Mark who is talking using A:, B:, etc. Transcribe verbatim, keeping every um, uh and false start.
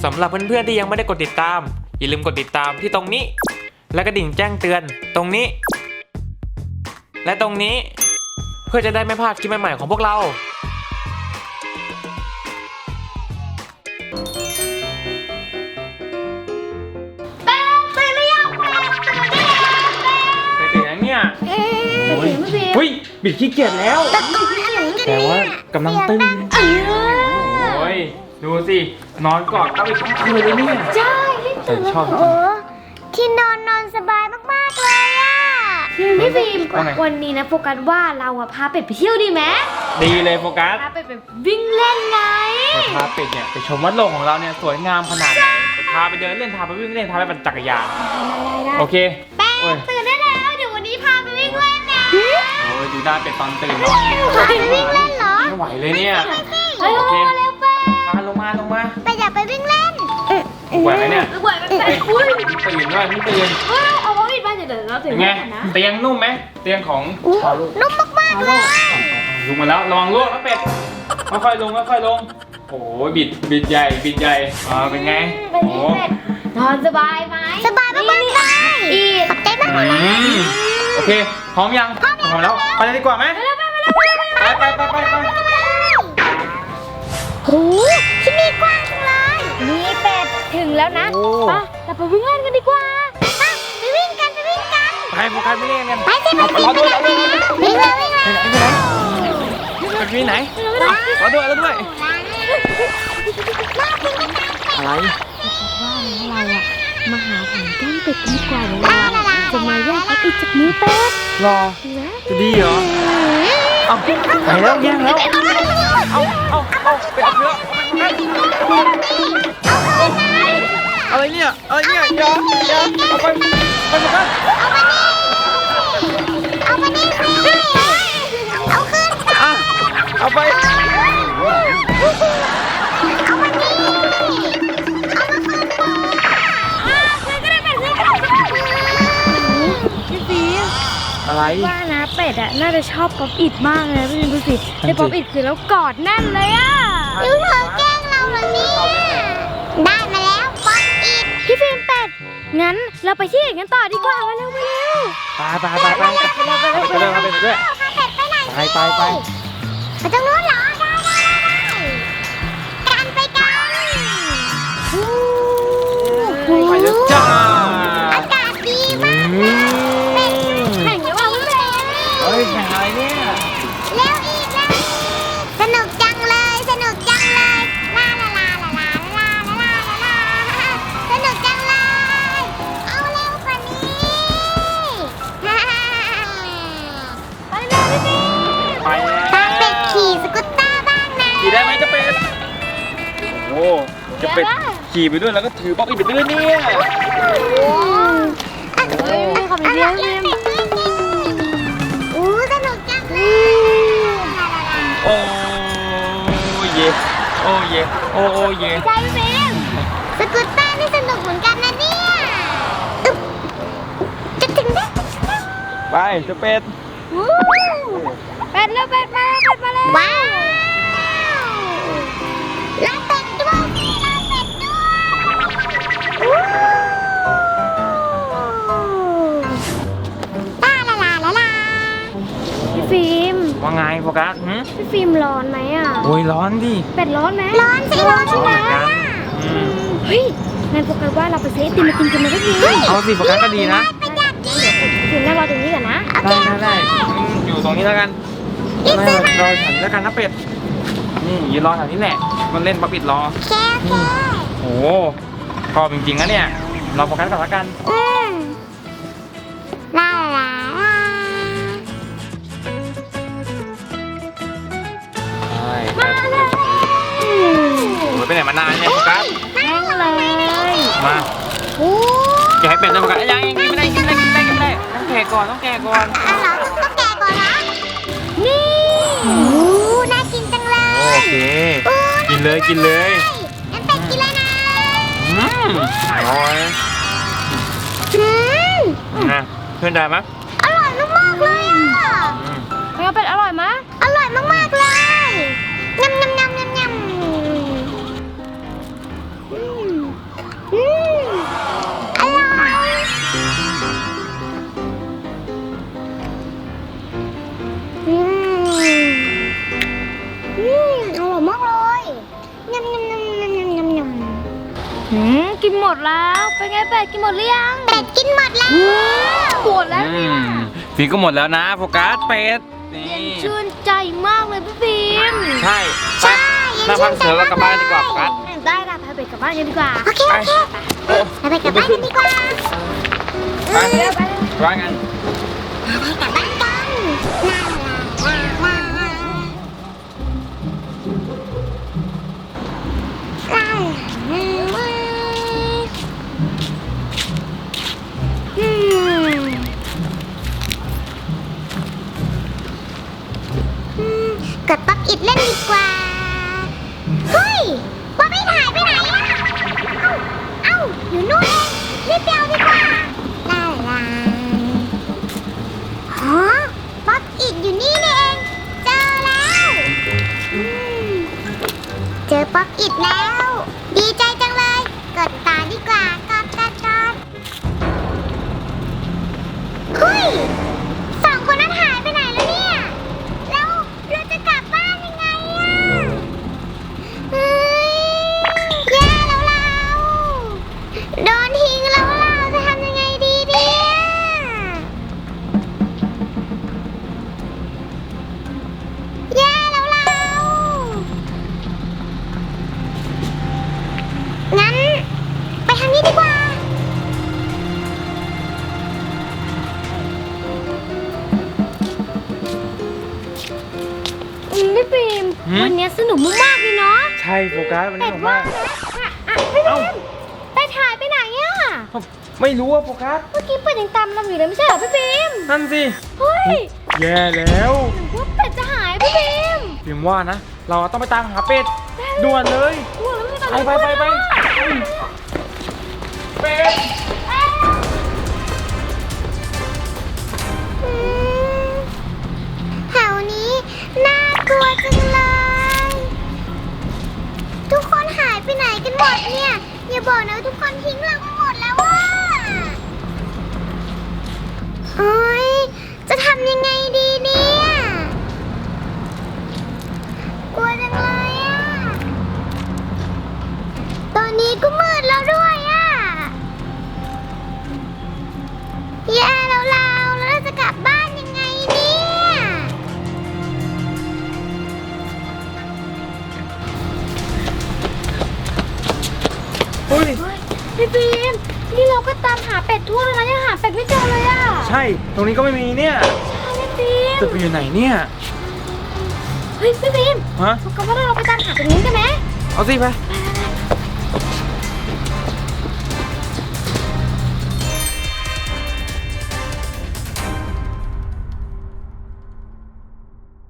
A: สำหรับเพื่อนๆที่ยังไม่ได้กดติดตามอย่าลืมกดติดตามที่ตรงนี้และกระดิ่งแจ้งเตือนตรงนี้ และตรงนี้เพื่อจะได้ไม่พลาดคลิปใหม่ๆของพวกเราเฮ้ยบิดขี้เกียจแล้วแต่ว่ากำลังตึงโอ้ยดูสินอนกอดเอาไปทั้งคืนเลยเนี่ย
B: ใช่
A: แต่ชอบจริง
B: ที่นอนนอนสบายมากๆเลยอ่ะพี่ฟิล์มวันนี้นะโฟกัสว่าเราอะพาเป็ดไปเที่ยวดีไหม
A: ดีเลยโฟกัส
B: พาเป็ดไปวิ่งเล่นไง
A: พาเป็ดเนี่ยไปชมวัดโลกของเราเนี่ยสวยงามขนาดไหนพาไปเดินเล่นพาไปวิ่งเล่นพาไปปั่นจักรยานโอเค
B: แป้งตื่นได้แล้วเดี๋ยววันนี้พาไปวิ่งเล่นนะ
A: โอ้ยดูหน้าเป็ดตอนตื่นเนาะ
B: พาไปวิ่งเล่นเหรอ
A: ไม่ไหวเลยเนี่ย
B: โอเคเร็วแป้ง
A: มาลงมาลงมา
B: ไปอยากไปวิ่งเล่น
A: ไหวไหมเนี่ย
B: ไหวไหมแป้งอุ้ย
A: ตื่นด้วยไม่ตื่น
B: เอาไว้ปิดบ้านเดี๋ยวเราถึง
A: ไงเตียงนุ่มไหมเตียงของ
B: นุ่มมากๆเลย
A: ลงมาแล้วระวังล่วงนะเป็ดค่อยๆลงค่อยๆลงโอ้ยบิดบิดใหญ่บิดใหญ่อ่าเป็นไงโอ้
B: นอนสบายไหมสบายมากๆเลยอีขอบใจมาก
A: โอเคพร้อมยังพร้อมแล้วไปเลยดีกว่าไหมไปไปไปไปไป
B: โอ้ที่นี่กว้างจังเลยนี่เป็ดถึงแล้วนะไปเราไปวิ่งเล่นกันดีกว่าไปวิ่งกันไปวิ่งกัน
A: ไปโฟกัสไม่เล่นกัน
B: ไปสิไปรอด้วยรอด้วยวิ่งเลยวิ่งเลย
A: ไปวิ่งไหนรอด้วยรอด้วยอะไร
B: ว่าเราอะมาหาของแก้มเป็ดดีกว่าเลยจะมาแย่งพัดอีกจากมือเป็ด
A: รอจะดีเหรอเอาไปแล้วแย่งแล้วเอาเอาเอาไปเอาเนื้ออะไรเนี่ยอะไรเนี่ยอย่าอย่าเอาไปไปโฟกัส
B: เอาไปนี่เอาขึ้น
A: อ่ะเอาไป
B: เอาไปนี่เอามาคืนพี่ฟี
A: อะไร
B: ว่านะเป็ดอะน่าจะชอบป๊อปอิดมากเลยพี่ดูสิได้ป๊อปอิดคือแล้วกอดแน่นเลยอะยูเธอแกล้งเราเหรอเนี่ยได้มาแล้วป๊อปอิดพี่ฟิล์มเป็ดงั้นเราไปที่อื่นกันต่อดีกว่ามาเร็วมาเร็ว
A: ไปไปไปไปไปเร็วไปเรื่อย
B: ไปไหน
A: ไปไปไป
B: ไปตรงนู้นเหรอได้ได้กันไปกัน
A: ไปแล้วจ้า
B: อากาศดีมากเป็ดแข่งหรือเปล่าพี่เป็ด
A: เฮ้ยแข่งอะไรเนี่ย
B: เร็วอีกแล้วสนุกจังเลยสนุกจังเลยลาลาลาลาลาลาลาลาลาสนุกจังเลยเอาเร็วกว่านี้ไปเลยพี่
A: ไปแล้ว
B: ถ้าเป็ดขี่สกูตเตอร์บ้างนะ
A: ขี่ได้ไหมจะเป็ดโอ้จะเป็ดขี่ไปด้วยแล้วก็ถือป๊อปอิดไปด้วยเนี่ย
B: เฮ้ยขอบคุณเดียวเดียวอู้สนุกจังเลย
A: โอ้เย่โอ้เย่โอ้โอ้เย่
B: ใช่ฟิล์มสกูตเตอร์นี่สนุกเหมือนกันนะเนี่ยจะถึงได้
A: ไปจะเป็ด
B: เป็ดแล้วเป็ดมาเป็ดมาแล้วว้าวลาเป็ดด้วยลาเป็ดด้วยลาลาลาลาลาพี่ฟิล์ม
A: ว่าไงโฟกัส
B: พี่ฟิล์มร้อนไหมอ่ะ
A: โอ้ยร้อนดิ
B: เป็ดร้อนไหมร้อนสิร้อนใช่ไหมเฮ้ยงั้นโฟกัสว่าเราไปซื้อไอติมมากินกันนะพี่ฟิล์ม
A: เอาสิโฟกัสก็ดีนะ
B: ถึงนั่งรอตรงนี้ก่อนนะ
A: ได้ได้ได้อยู่ตรงนี้แล้วกันไม่รอฉันแล้วกันนะเป็ดนี่ยืนรอแถวนี้แหละมันเล่นป๊อปอิดรอ
B: แค่แค่
A: โอ้ชอบจริงๆนะเนี่ยเราโฟกัสก่อนแล้วกัน
B: ลาลา
A: มาเลยไปไหนมานานเนี่ยโฟกัส
B: นั่งเลย
A: มาอย่าให้เป็ดเลยโฟกัสยังยังกินไม่ได้กินไม่ได้กินไม่ได้กินไม่ได้ต้องแกะก่อนต้องแกะก่อน
B: อ้าวเหรอต้องแกะก่อนนะนี่โอ้น่ากินจังเลย
A: โอเคกินเลยกินเลย
B: งั้นเป็ดกินเลยนะ
A: อืมอร่อยนะเพื่อนได้ไหม
B: อร่อยมากๆเลยอ่ะแล้วเป็ดอร่อยไหมอร่อยมากๆเลยยำยำยำยำยำกินหมดแล้วเป็นไงเป็ดกินหมดหรือยังเป็ดกินหมดแล้วหมดแล้ว
A: อื
B: เนี่ย
A: มฟิล์มก็หมดแล้วนะโฟกัสเป็ดนี่
B: ชื่นใจมากเลยพี่ฟิล์ม
A: ใช่ไปหน้าพักเสือเรากลับบ้านดีกว่าโฟกัส
B: ได้ละพาเป็ดกลับบ้านกันดีกว่าโอเค
A: ไป
B: พาเป็ดกลับบ้านกันดีกว่า
A: ไปว่างั้น
B: กลับบ้านกันอืมกดป๊อปอิดเล่นดีกว่า เฮ้ยป๊อปอิดหายไปไหนอะเอ้า เอ้า อยู่นู่นเองรีบไปเอาดีกว่าลาลาฮะป๊อปอิดอยู่นี่นี่เอง เจอแล้วอืมเจอป๊อปอิดแล้ว ดีใจจังเลย กดตาดีกว่ากดกดกดเฮ้ยสองคนนั้นหายไปไหนแล้วเนี่ย แล้วเราจะกลับบ้านยังไงอะเฮ้ยแย่แล้วเราโดนทิ้งแล้วเราจะทำยังไงดีเนี่ยแย่แล้วเรางั้นไปทางนี้ดีกว่าอืมพี่ฟิล์มวันนี้สนุกมากๆเลยเนาะ
A: ใช่โฟกัสวันนี้ผมมาก
B: พี่
A: เอ้า
B: ฟิล์มเป็ดหายไปไหนอะ
A: ไม่รู้ว่าโฟกัส
B: เมื่อกี้เป็ดยังตามเราอยู่เลยไม่ใช่เหรอพี่ฟิล์ม
A: นั่นสิ
B: เฮ้ย
A: แย่แล้ว
B: หรือว่าเป็ดจะหายพี่ฟิล์ม
A: ฟิล์มว่านะ เราต้องไปตามหาเป็ดด่วนเลย
B: กลัวแล้ว
A: ไปไปไปไปเป็ด
B: อืมแถวนี้น่ากลัวจังเลย ทุกคนหายไปไหนกันหมดเนี่ย อย่าบอกนะว่าทุกคนทิ้งเราไปหมดแล้วว่าโอ๊ยจะทำยังไงดีเนี่ยกลัวจังเลยอะตอนนี้ก็มืดแล้วด้วยอะแย่แล้วเราแล้วเราจะกลับบ้านยังไงเนี่ย
A: เฮ้ย
B: พี่ฟิล์มนี่เราก็ตามหาเป็ดทั่วแล้วนะยังหาเป็ดไม่เจอเลยอ่ะ
A: ใช่ตรงนี้ก็ไม่มีเนี่ย
B: ใช่พี่ฟิล์ม
A: จะไปอยู่ไหนเนี่ย
B: เฮ้ยพี่ฟิล์ม
A: ฮะ
B: พวกเราว่าเราไปตามหาเป็ดนี้กันไหม
A: เอาสิไป
B: ไป